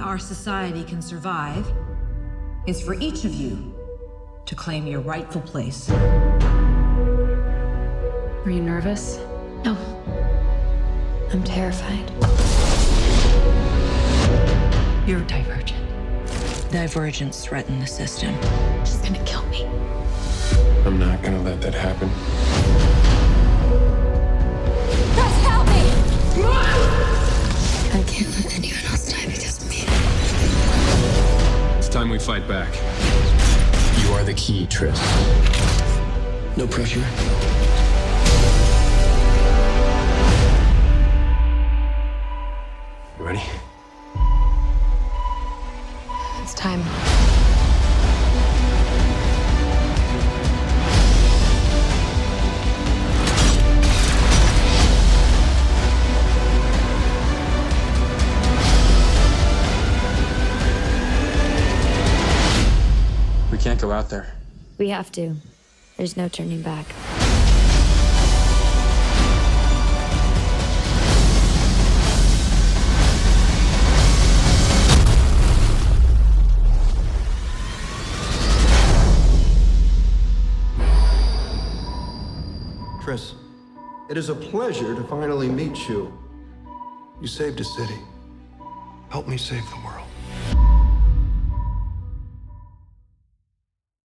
our society can survive is for each of you to claim your rightful place. Are you nervous? No. I'm terrified. You're divergent. Divergents threaten the system. She's gonna kill me. I'm not gonna let that happen. Chris, help me! I can't let anyone else die because of me. It's time we fight back. You are the key, Triss. No pressure. You ready? It's time. We can't go out there. We have to. There's no turning back. Triss, it is a pleasure to finally meet you. You saved a city. Help me save the world.